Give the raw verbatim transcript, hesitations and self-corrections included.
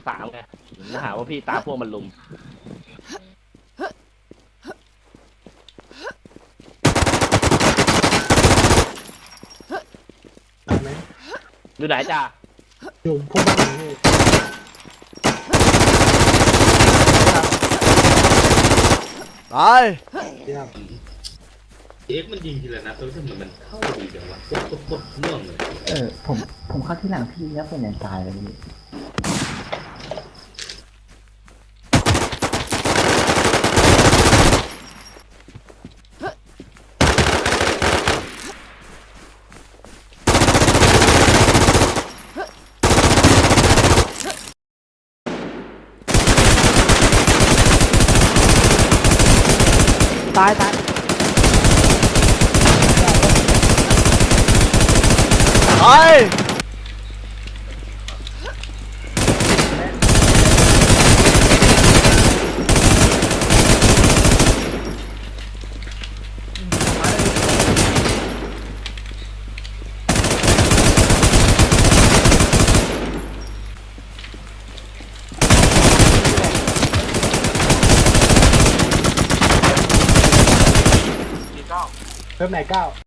สามไงถ้าหาว่าพี่ตาพวกมันลุมตายไหมอยู่ไหนจ้าอยู่พวกบ้านนี้ตายเยี่ยมเอ็กมันยิงทีละนัดแล้วทำไมมันเข้าดีจังวะกดกดกดน่วงเลยเออผมผมเข้าที่หลังพี่แล้วเป็นอย่างตายเลยพี่ตายตายตายเพิ่มไหนเก้า